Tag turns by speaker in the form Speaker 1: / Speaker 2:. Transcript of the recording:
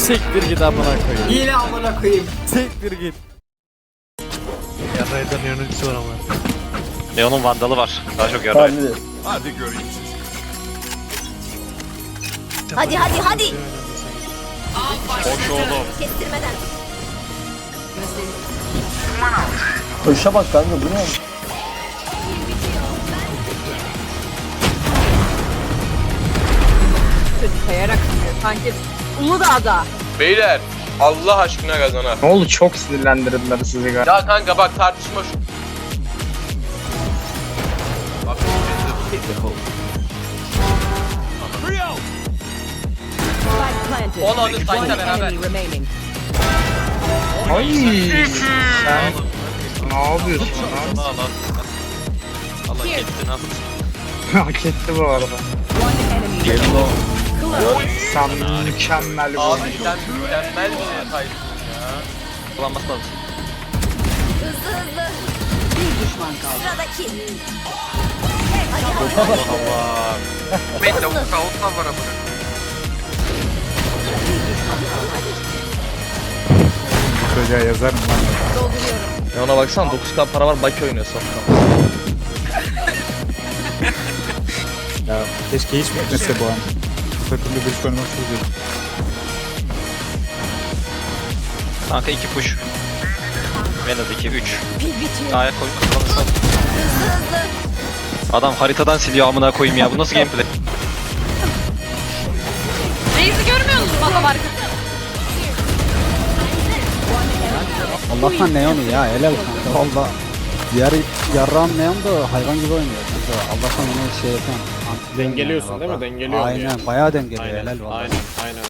Speaker 1: Siktir git amına koyayım.
Speaker 2: Yine amına koyayım.
Speaker 1: Siktir git.
Speaker 3: Yarraydan yöneticisi var ama.
Speaker 4: Leon'un vandalı var. Daha çok yarray.
Speaker 5: Hadi göreyim sizi.
Speaker 6: Hadi hadi hadi.
Speaker 4: Hoş oğlum.
Speaker 6: Kestirmeden.
Speaker 7: Koşa bak kanka bu ne?
Speaker 8: Kayarak sanki Uludağ'da.
Speaker 9: Beyler Allah aşkına kazanar.
Speaker 10: Ne oldu, çok sinirlendirdiler sizi galiba.
Speaker 9: Ya kanka bak tartışma şu. Bak onu sayta beraber.
Speaker 10: Ay sen ne yapıyorsun lan?
Speaker 4: Allah. Allah kettin ha.
Speaker 10: Hak etti bu arada. Sen mükemmel bir
Speaker 9: Abi
Speaker 10: oyuncu.
Speaker 9: sen mükemmel bir detaysın ya.
Speaker 4: Kullanması lazım.
Speaker 6: Hızlı hızlı. Bir düşman kaldı. Sıradaki.
Speaker 4: Allah Allah.
Speaker 9: Ben de outla var amına.
Speaker 1: Çocuğa yazarım lan.
Speaker 9: Ya ona baksana 9k para var Baki oynuyor sokakta.
Speaker 1: Ya keşke hiç bitmese bu an. Takımda bir oynamak çok zor.
Speaker 4: Kanka 2 push. Venad 2 3.
Speaker 6: Pil bitiyor.
Speaker 4: Ayak koy. Kullanırsan.
Speaker 6: Hızlı hızlı.
Speaker 4: Adam haritadan siliyor amına koyayım ya. Bu nasıl gameplay?
Speaker 8: Reis'i görmüyor musun adam arkasında?
Speaker 7: Allah'tan Neon'u ya helal kanka. Valla. Diğer yarrağın Neon da hayvan gibi oynuyor kanka. Allah'tan onu şey yapan.
Speaker 3: Dengeliyorsun değil mi? Dengeliyor.
Speaker 7: Aynen bayağı dengeliyor helal valla.
Speaker 3: Aynen.